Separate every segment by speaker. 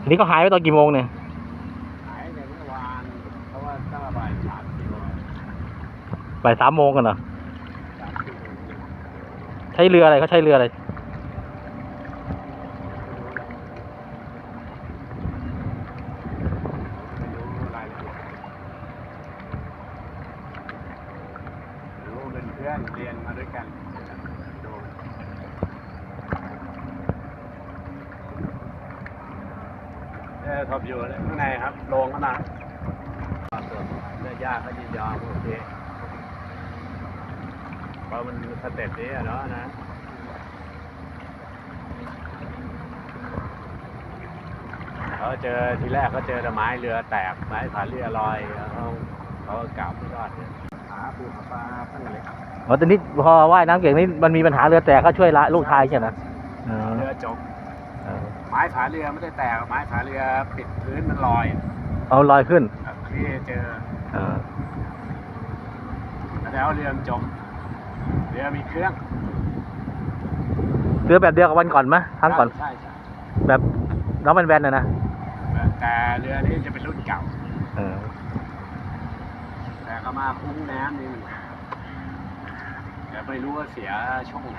Speaker 1: อันนี้ก็หายไปตอนกี่โมงเนี่ย
Speaker 2: หายในเมื่อวานเพราะว่าตั้งบ่าย3 กิโล
Speaker 1: บ่าย3 โมงกันเหรอ
Speaker 2: 3 กิโล
Speaker 1: ใช้เรืออะไรเขาใช้เรืออะไร
Speaker 2: ไม่รู้รายละเอียดรู้เป็นเพื่อนเรียนมาด้วยกันดูทบอยู่ข้างในครับโรงขนาดส่วนเลือดยากก็ยินยอมโอเคเพราะมันสเต็ปนี้เนาะนะเขาเจอทีแรกเขาเจอแต่ไม้เรือแตกไม้ผาเรือลอยเขากลับไม่รอดเนี่ยหาปูหาปลาตั้งแต่เล็ก
Speaker 1: ตอนนี้พอว่ายน้ำเก่งนี่มันมีปัญหาเรือแตกก็ช่วยละลูกชายใช่ไหม
Speaker 2: เรือจมไม้ผาเรือไม่ได้แตกไม้ผาเรือปิดพื้นมันลอย
Speaker 1: เอาลอยขึ้น
Speaker 2: ที่เจอแล้วเรือจมเรือมีเครื่อง
Speaker 1: เรือแบบเดียวกับวันก่อนไหมครั้งก่อน
Speaker 2: ใช่
Speaker 1: แบบน้องแบนๆนะ
Speaker 2: แต่เรือนี้จะเป็นรุ่นเก่าแต่ก็มาคุ้งน้ำนี่แต่ไม่รู้ว่าเสียช่วงไหน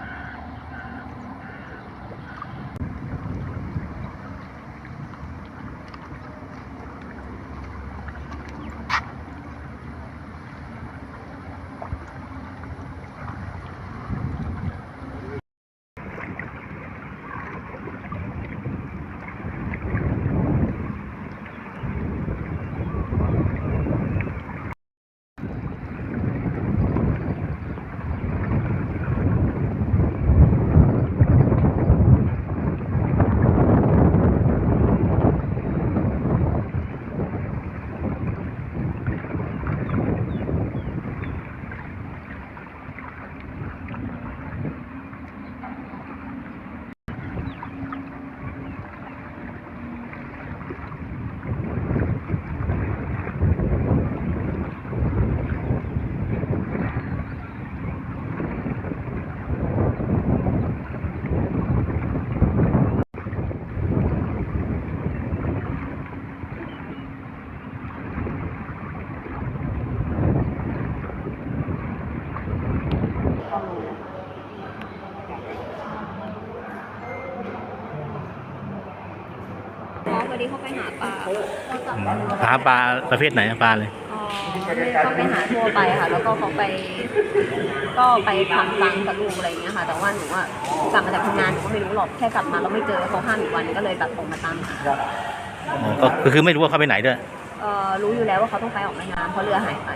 Speaker 3: วันนี้เขาไปหาปลา
Speaker 1: หาปลาประเภทไหนปลาเลย
Speaker 3: เขาไปหาทั่วไปค่ะแล้วก็เขาไปทำรังกับลูกอะไรอย่างเงี้ยค่ะแต่ว่าหนูว่ากลับมาจากทำงานหนูก็ไม่รู้หรอกแค่กลับมาเราไม่เจอเขา5 วันก็เลยแบบออกมาตามหา
Speaker 1: ก็คือไม่รู้ว่าเขาไปไหนด้วย
Speaker 3: รู้อยู่แล้วว่าเขาต้องไปออกแม่น้ำเพราะเรือหายไป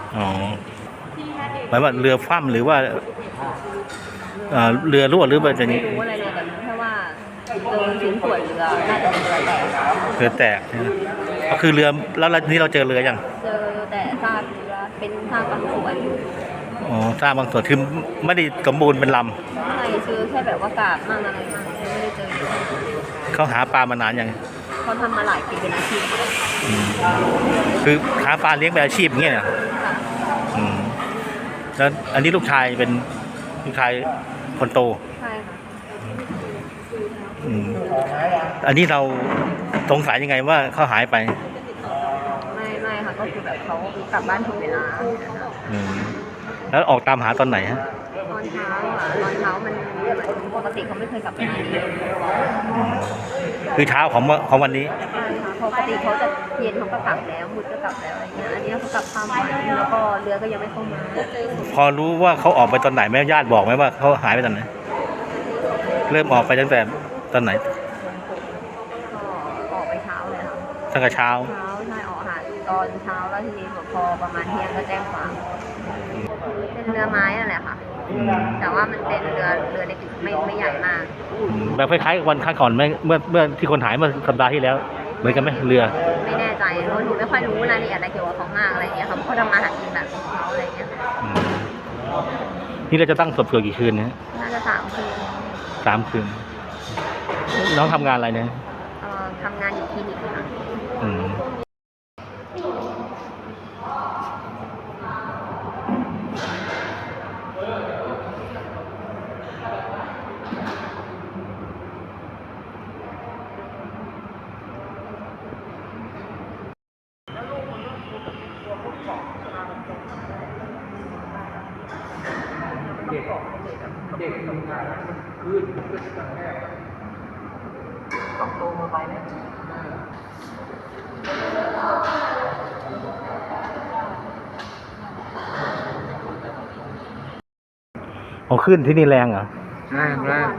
Speaker 1: หมายว่าเรือคว่ำหรือว่าเรือรั่วหรือว่าจะ
Speaker 3: ไม่รู้อะไรเลยแต่รู้แค่ว่าเจอชิ้นส่วนเรือน่าจะเป็นเรือแตก
Speaker 1: ใช่ไหมก็คือเรือแล้วนี่เราเจอเรือยัง
Speaker 3: เจอแต่ซากเรือเป็นซากบางส่วน
Speaker 1: ซากบางส่วนคือไม่ได้สมบูรณ์เป็นลำ
Speaker 3: ใช่คือแค่แบบว่ากาบมั่งอะไรมั่งไม่ได้เจอ
Speaker 1: เขาหาปลามานานยัง
Speaker 3: เขาทำมาหลายปีเป็นอาชีพ
Speaker 1: คือหาปลาเลี้ยงเป็นอาชีพอย่างเงี้ยแล้วอันนี้ลูกชายเป็นลูกชายคนโต
Speaker 3: ใช่ค่ะ
Speaker 1: อันนี้เราสงสัยยังไงว่าเขาหายไป
Speaker 3: ไม่ค่ะก็คือแบบเขากลับบ้านถูกเวลา
Speaker 1: แล้วออกตามหาตอนไหนฮะ
Speaker 3: ตอนเช้ามันปกติเขาไม่เคยกลับไปไหน
Speaker 1: คือเช้าของวันนี้
Speaker 3: ใช่ค่ะปกติเขาจะเย็นเขาก็กลับแล้วมุดก็กลับแล้วอะไรเงี้ยอันนี้เขากลับข้ามวันแล้วก็เรือก็ยังไม่เข้ามา
Speaker 1: พอรู้ว่าเขาออกไปตอนไหนแม่ญาติบอกไหมว่าเขาหายไปตอนไหนเริ่มออกไปตั้งแต่ตอนไหน
Speaker 3: ออกไปเช้าเลยค่ะ
Speaker 1: ตั้งแต่เช้า
Speaker 3: ใช่ออกหาตอนเช้าแล้วทีนี้พอประมาณเที่ยงก็แจ้งความเป็นเรือไม้นั่นแหละค่ะแต่ว่ามันเป็นเรือเล็กไม่ใหญ่มาก
Speaker 1: แบบคล้ายๆวันครั้งก่อนไหมเมื่อที่คนหายเมื่อสัปดาห์ที่แล้วเหมือนกันไหมเรือ
Speaker 3: ไม่แน่ใจเพราะหนูไม่ค่อยรู้รายละเอียดอะไรเกี่ยวกับเขามากอะไรเงี้ยเขาทำมาหากินแบบของเขาอะไรเงี้ย
Speaker 1: นี่เราจะตั้งศพเกิดกี่คืนเนี่ย
Speaker 3: น่าจะ3 คืน
Speaker 1: น้องทำงานอะไรเนี่ย
Speaker 3: ทำงานอยู่คลินิกค่ะ
Speaker 1: เอาขึ้นที่นี่แรงเหรอ
Speaker 4: แรง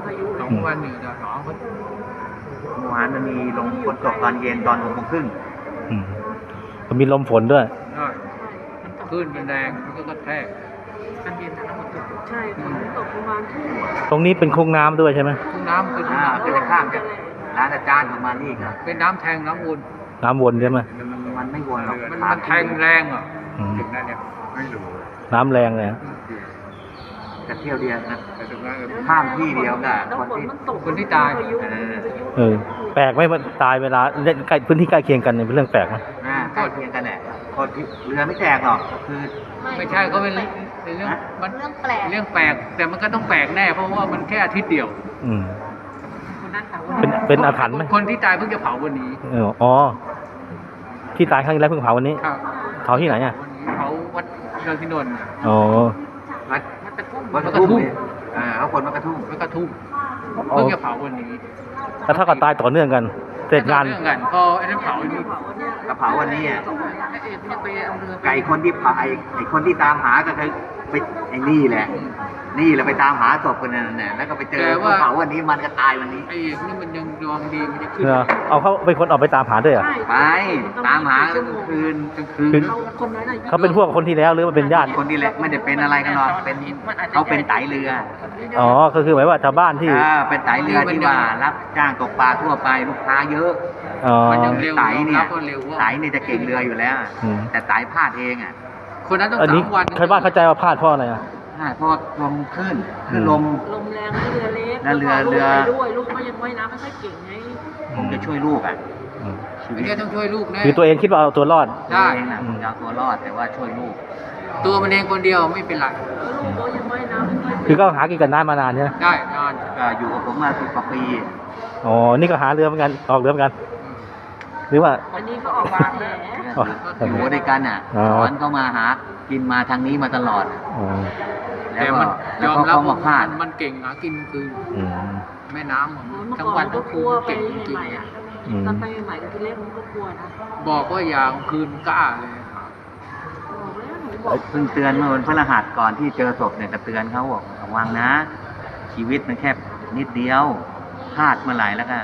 Speaker 4: 2 วันอยู่จะ2 วันเมื่อวานมันมีลมฝนตกตอนเย็นตอน6:30
Speaker 1: อืมมันมีลมฝนด้วย
Speaker 4: คลื่นเป็นแรงมันก็กระแทกตอนเย็นน้ำมันตกใช่ฝนตกประมาณทุ่ม
Speaker 1: ตรงนี้เป็นโค้งน้ำด้วยใช่ไหม
Speaker 4: ทุ่งน้ำเป็นข้ามจากร้านอาจารย์ของมานี่ครับเป็นน้ำแทงน้ำวน
Speaker 1: น้ำวนใช่ไหม
Speaker 4: มันไม่วนหรอกมันแทงแรงอ่ะ
Speaker 1: อืม
Speaker 4: ถึงนั่นเนี่ยไม่รู้
Speaker 1: น้ำแรงเลยฮะ
Speaker 4: แต่เที่ยวเดียวนะข้ามที่เดียวกับคนที่ตาย
Speaker 1: แปลกไหมมันตายเวลาเล่นใกล้พื้นที่ใกล้เคียงกันเนี่ยเป็นเรื่องแปลกไหม
Speaker 4: ใกล้เคียงกันแหละคนที่เรือไม่แตกหรอกคือไม่ใช่ก็เป็นเรื่องมันเรื่องแปลกแต่มันก็ต้องแปลกแน่เพราะว่ามันแค่อาทิตย์เดียว
Speaker 1: อืมเป็นอาถรรพ์ไหม
Speaker 4: คนที่ตายเพิ่งจะเผาวันนี้
Speaker 1: อ๋อที่ตายครั้งที่แล้วเพิ่งเผาวันนี้
Speaker 4: ครับ
Speaker 1: เผาที่ไหนอ่ะ
Speaker 4: เผาวัดเรืองที่นนท์
Speaker 1: อ๋อ
Speaker 4: วัดกระทุ่มเขาคนวัดกระทุ่มวัดกระทุ่มเพิ่งจะเผาวันนี้
Speaker 1: แล้วถ้าก็ตายต่อเนื่องกันเสร็จงาน
Speaker 4: เรื่องกันพอไอ้นั่นเผานี่กระเผาวันนี้อ่ะไก่คนที่เผาไอ้คนที่ตามหาก็คือไปไอ้นี่แหละไปตามหาศพกันนั่นแหละแล้วก็ไปเจอเผาวันนี้มันก็ตายวันนี้ไอ้นี่มันยังดวงดีมันจะขึ้น
Speaker 1: เอาเขาเป็นคนออกไปตามหาด้วยเหรอ
Speaker 4: ไปตามหากลางคืน
Speaker 1: เขาเป็นพวกคนที่แล้วหรือว่าเป็นญาติ
Speaker 4: คนที่แหละไม่ได้เป็นอะไรกันหรอกเป็นเขาเป็นไตเรือ
Speaker 1: อ๋อก็คือหมายว่าชาวบ้านที่
Speaker 4: เป็นไตเรือที่ว่ารับจ้างตกปลาทั่วไปลูกค้าเยอะ
Speaker 1: อ๋อ
Speaker 4: มันยังเร็วไตเนี่ยไตเนี่ยจะเก่งเรืออยู่แล้ว แต่ไตพลาดเองอ่ะคนนั้นต้อง
Speaker 1: อันนี้
Speaker 4: 3 วัน
Speaker 1: ชาวบ้านเข้าใจว่าพลาดเพราะอะไรอ่ะ
Speaker 4: เพราะลมขึ้นลม
Speaker 5: ลมแรงเรือเล็ก
Speaker 4: แล้วเรือ
Speaker 5: ด้วยลูกก็ยังว่ายน้ำไม่ค่อยเก่งไง
Speaker 4: ผมจะช่วยลูกอ่ะชีวิตต้องช่วยลูกนะ
Speaker 1: คือตัวเองคิดว่าเอาตัวรอด
Speaker 4: ได้นะผมจะเอาตัวรอดแต่ว่าช่วยลูก ตัวมันเองคนเดียวไม่เป็นไร
Speaker 5: ลูกก็ยังว่ายน้ำไม่ค่อย
Speaker 1: คือก็หากินกันน้ำมานานใช่ไหม
Speaker 4: ได้นอนอยู่กับผมมา10 กว่าปี
Speaker 1: อ๋อนี่ก็หาเรือเหมือนกันออกเรือเหมือนกัน หรือว่า
Speaker 5: อันนี้ก็ออกบาแผล
Speaker 1: อ๋อ
Speaker 4: อยู่ด้วยกันอ่ะ
Speaker 1: อ๋อ
Speaker 4: สอนเขามาหากินมาทางนี้มาตลอด
Speaker 1: อ๋อ
Speaker 4: แต่มันยอมรับว่าพลาดมันเก่งหากินคือ
Speaker 1: อืม
Speaker 4: แม่น้ำ
Speaker 5: เมื่อ
Speaker 4: ทั้ง
Speaker 5: ก่อ
Speaker 4: วัน น
Speaker 5: ก็
Speaker 4: ทั้ง
Speaker 5: ก
Speaker 4: คื
Speaker 5: ลั
Speaker 4: น
Speaker 5: วไป
Speaker 4: เก่งจริง
Speaker 5: ใหม่ๆอ่ะ
Speaker 1: อืม
Speaker 5: ตอนไปใหม่ๆก็ทีแรกมันก็กลัวนะ
Speaker 4: บอกว่าอย่ากลางคืนกล้าเลย
Speaker 5: บอกแล้วหนูบอก
Speaker 4: เพิ่งเตือนเมื่อวันพฤหัสก่อนที่เจอศพเนี่ยจะเตือนเขาบอกระวังนะ ชีวิตมันแค่นิดเดียวพลาดเมื่อไหร่แล้วก็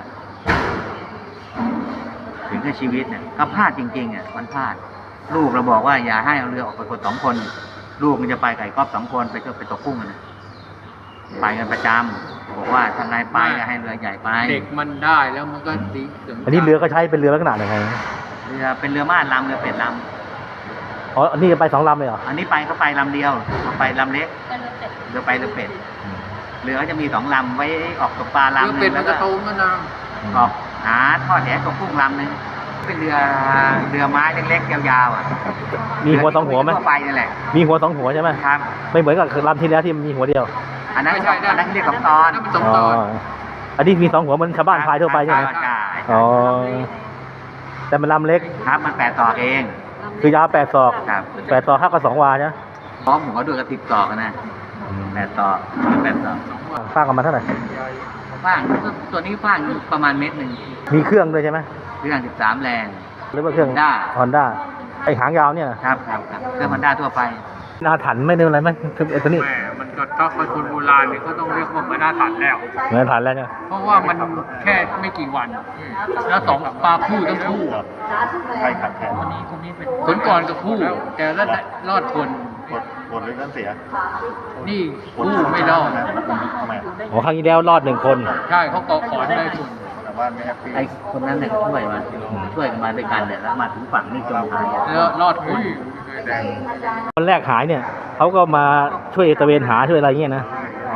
Speaker 4: ถึงกับชีวิตเนี่ยก็พลาดจริงๆอ่ะมันพลาด ลูกเราบอกว่าอย่าให้เอาเรือออกไปคน2 คน ลูกมันจะไปไก่ก๊อฟ2 คนไปตกกุ้งกันนะไปกันประจำบอกว่าทางไงไปก็ให้เรือใหญ่ไปเด็กมันได้แล้วมันก็ดี
Speaker 1: อันนี้เรือก็ใช้เป็นเรือลักษณะยังไง
Speaker 4: เรือเป็นเรือม่านลำเรือเป็ดล
Speaker 1: อ๋ออันนี้ไป2 ลำเลยเหรอ
Speaker 4: ำอันนี้ไปเขาไปลำเดียวเขาไปลำเล็กเรือไปเรือเป็ดเรือจะมี2 ลำไว้ออกตกปลาลำนึงแล้วก็ออกหาทอดแหตกกุ้งลำนึงเป็นเรือไม้เล็กๆยาวๆอ่ะ
Speaker 1: มีหัว2 หัวไหม
Speaker 4: ทั่วไปนั่นแหละ
Speaker 1: มีหัว2 หัวใช่ไหม
Speaker 4: ครับ
Speaker 1: ไม่เหมือนกับลำที่แล้วที่มีหัวเดียว
Speaker 4: อันนั้นเรียก2 ตอน
Speaker 1: อ๋ออันนี้มี2 หัวเหมือนชาวบ้านพายทั่วไปใช่ไหม
Speaker 4: ใช่
Speaker 1: อ๋อแต่มันลำเล็ก
Speaker 4: ครับมัน8 ตอกเอง
Speaker 1: คือยาว8 ศอก
Speaker 4: ครับ
Speaker 1: 8 ศอกเท่ากับ2 วาใช่ไหม
Speaker 4: พร้อมหัวด้วยกระติบตอกนะ8 ตอก8 ตอก
Speaker 1: สร้างกันมาเท่าไหร่
Speaker 4: ฟางตัวนี้ฟางประมาณ1 เมตร
Speaker 1: มีเครื่องด้วยใช่ไหม
Speaker 4: เรื่อง13 แรง
Speaker 1: หรือว่าเครื่อง
Speaker 4: Honda
Speaker 1: ฮอนด้าไอหางยาวเนี่ยนะ
Speaker 4: ครับเครื่องมันด้าทั่วไป
Speaker 1: อาถรรพ์ไม่ได้อะไรไหมคือไอตัวนี้
Speaker 4: แหมมันก็ถ้าคนโบราณเนี่ยเขาต้องเรียกว่ามันน่าถันแล้ว
Speaker 1: เหมือนอาถรรพ์แล้วเนี่ย
Speaker 4: เพราะว่ามันแค่ไม่กี่วัน แล้ว2 ปลาคู่ทั้งคู่
Speaker 1: ใครขัดแขน
Speaker 4: คนก่อนกับคู่ แต่ละรอดคน
Speaker 1: หมดเลยนั่นเสีย
Speaker 4: นี่คู่ไม่รอด
Speaker 1: อ๋อครั้งที่แล้วรอด1 คน
Speaker 4: ใช่เขาเกาะขอนได้คน
Speaker 1: แต่ว่าไม่แฮปปี้
Speaker 4: ไอ้คนนั้นเนี่ยช่วยกันมาด้วยกันเนี่ยแล้วมาถึงฝั่งนี่จมหายแล้วรอดคน
Speaker 1: คนแรกหายเนี่ยเขาก็มาช่วยตระเวนหาช่วยอะไรเงี้ยนะอ๋อ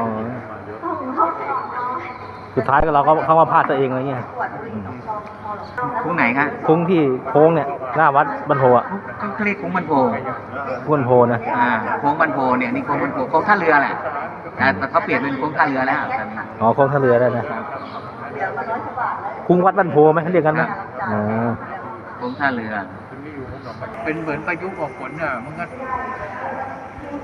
Speaker 1: สุดท้ายก็เราก็เข้ามาพลาดตัวเองอะไรเงี้ย
Speaker 4: คุ้งไหนครับ
Speaker 1: คุ้งที่โค้งเนี่ยหน้าวัดบรรโพอ่ะ
Speaker 4: เขาเรียกคุ้งบันโพ
Speaker 1: คุ้งบรรโพนะ
Speaker 4: โค้งบันโพเนี่ยนี่โค้งบันโพโค้งท่าเรือแหละแต่เขาเปลี่ยนเป็นโค้งท่าเรือแล้วตอนนี้
Speaker 1: อ๋อโค้งท่าเรือได้นะคุ้งวัดบรรโพไหมเขาเรียกกันไหมอ๋อ
Speaker 4: โค้งท่าเรือ เป็นเหมือนพายุออกฝนอ่ะมันก็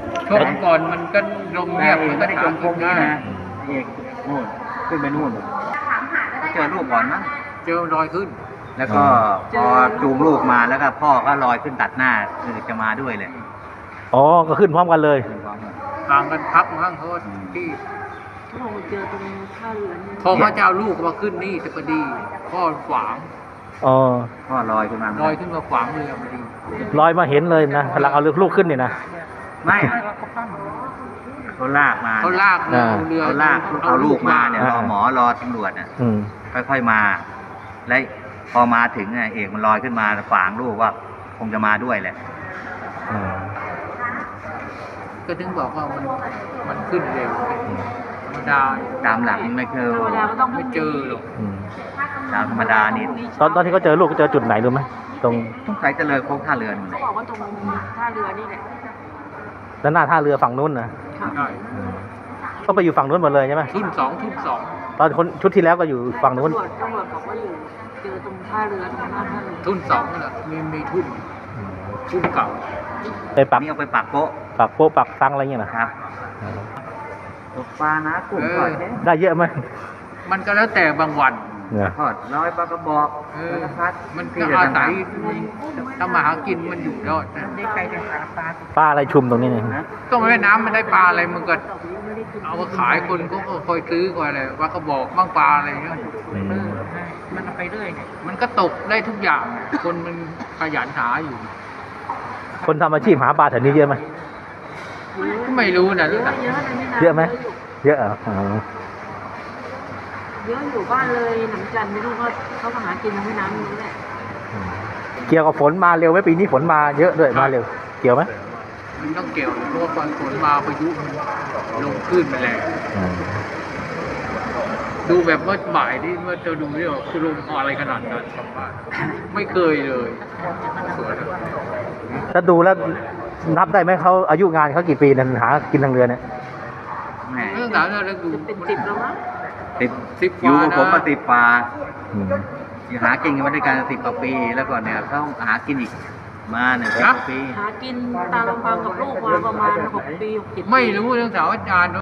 Speaker 2: ช่วงก่อนมันก็ลงเงียบมันก็
Speaker 4: ไม่ได้
Speaker 2: ถา
Speaker 4: จ
Speaker 2: ม
Speaker 4: มพวกนี้นะเอกนู่นขึ้นไปนู่นเจอลูกก่อนมั้ง
Speaker 2: เจอรอยขึ้น
Speaker 4: แล้วก็พอจูงลูกมาแล้วก็พ่อก็ลอยขึ้นตัดหน้าคือจะมาด้วยเลย
Speaker 1: อ๋อก็ขึ้นพร้อมกันเลย
Speaker 2: ห่างกันพักมั้งเขาที่
Speaker 5: เขาบอกว่าเจอตรงท่าเรือนี่
Speaker 2: พอเขาจะเอาลูกมาขึ้นนี่แต่พอดีพ่อขวาง
Speaker 1: อ๋อ
Speaker 4: พ่อลอยขึ้นมา
Speaker 2: ลอยขึ้นมาขวางเรือพอดี
Speaker 1: ลอยมาเห็นเลยนะกำลังเอาลูกขึ้นนี่นะ
Speaker 4: ไม่เขาลากมา
Speaker 2: เขาลากเรือเอาเรือ
Speaker 4: เขาลากเอาลูกมาเนี่ยรอหมอรอตำรวจน่ะ
Speaker 1: อืม
Speaker 4: ค่อยๆมา และพอมาถึงเอกมันลอยขึ้นมาขวางลูกว่าคงจะมาด้วยแหละ
Speaker 1: อืม
Speaker 2: ก็ถึงบอกว่ามันขึ้นเร็วธรรมดา
Speaker 4: ตามหลักไม่เคย
Speaker 5: ธรรมดาก็ต้อง
Speaker 2: ไม่เจอหรอก
Speaker 1: อืม
Speaker 4: ตามธรรมดานี่
Speaker 1: ตอนที่เขาเจอลูกก็เจอจุดไหนรู้ไหมตรง
Speaker 4: ต้องใส่เจริญโค้งท่าเรือนี่
Speaker 5: เขาบอกว่าตรงท่าเรือนี่แหละ
Speaker 1: ด้านหน้าท่าเรือฝั่งนู้นนะ
Speaker 2: ใช่
Speaker 1: ก็ไปอยู่ฝั่งนู้นหมดเลยใช่ไหม
Speaker 2: ทุ่นสอง
Speaker 1: ตอนคนชุดที่แล้วก็อยู่ฝั่งนู้น
Speaker 5: ตำรวจบอกว่าอยู่เจอตรงท่าเรือตรงหน้าท่าเรือ
Speaker 2: ทุ่นสองนั่นแหละมีทุ่นเก่า
Speaker 1: ไปปัก
Speaker 4: นี่เอาไปปักโป๊ะ
Speaker 1: ปักโป๊ะปักซังอะไรเงี้ยนะครับ
Speaker 4: ตกปลานะกุ้งทอดแค่
Speaker 1: ได้เยอะไหม
Speaker 2: มันก็แล้วแต่บางวัน
Speaker 1: เนี่ย
Speaker 4: ทอดร้อยปลากระบอก
Speaker 2: เอ
Speaker 4: ป
Speaker 2: อ
Speaker 4: ลากระพัด
Speaker 2: มัน
Speaker 4: ที่
Speaker 2: ก็
Speaker 4: จะ
Speaker 2: อา
Speaker 4: ทำ
Speaker 2: ศัยทำมาหากินมันอยู่รอดนะ
Speaker 1: ปลาอะไรชุมตรงนี้เนี่ย
Speaker 4: นะ
Speaker 2: ก็แม่น้ำมันได้ปลาอะไรมันก็เอามาขายคนก็คอยซื้อคอยอะไรว่ากระบอกบ้างปลาอะไรเงี้ย
Speaker 1: อืม
Speaker 2: มันเอาไปเรื่อยมันก็ตกได้ทุกอย่าง คนมันขยันหาอยู่
Speaker 1: คนทำอาชีพหาปลาแถวนี้เยอะไหม
Speaker 2: ก็ไม่รู้นะ
Speaker 5: เยอะเยอะในนี่นะ
Speaker 1: เยอะไหม เยอะเหรออ๋อ
Speaker 5: เยอะอยู่บ้านเลยหนังจันทร์ไม่รู้ว่าเขามาหากินทางแม่น้ำนี้แหละ
Speaker 1: เกี่ยวกับฝนมาเร็วไหมปีนี้ฝนมาเยอะด้วยมาเร็ว เกี่ยวไหม
Speaker 2: มันต้องเกี่ยวเพราะว่าตอนฝนมาพายุมันลงคลื่นไปแรง
Speaker 1: อืม
Speaker 2: ดูแบบเมื่อบ่ายนี่เมื่อจะดูนี่ว่าคือลมอะไรขนาดนั้นสัมภาษณ์ไม่เคยเลยสวยเลย
Speaker 1: ถ้าดูแล้วนับได้ไหมเขาอายุงานเขากี่ปีนั่นหากินทางเรือเนี่ย
Speaker 4: แหม
Speaker 2: เรื่องราวเราดู
Speaker 5: เป็นสิบแล้วมั้ง
Speaker 4: ติด
Speaker 2: 10
Speaker 4: อยู่กับ
Speaker 2: กว่านะ
Speaker 4: ผมมาติดปลา
Speaker 1: อืม
Speaker 4: อยู่หากินกันมาด้วยกัน10 กว่าปี แล้วก็เนี่ยเขาหากินอีกมา1 10 กว่าปี
Speaker 5: หากินตามลำพังกับลูกมาประมาณ6 ปี 6 7 ปี
Speaker 2: ไม่รู้เรื่องสาวอาจารย์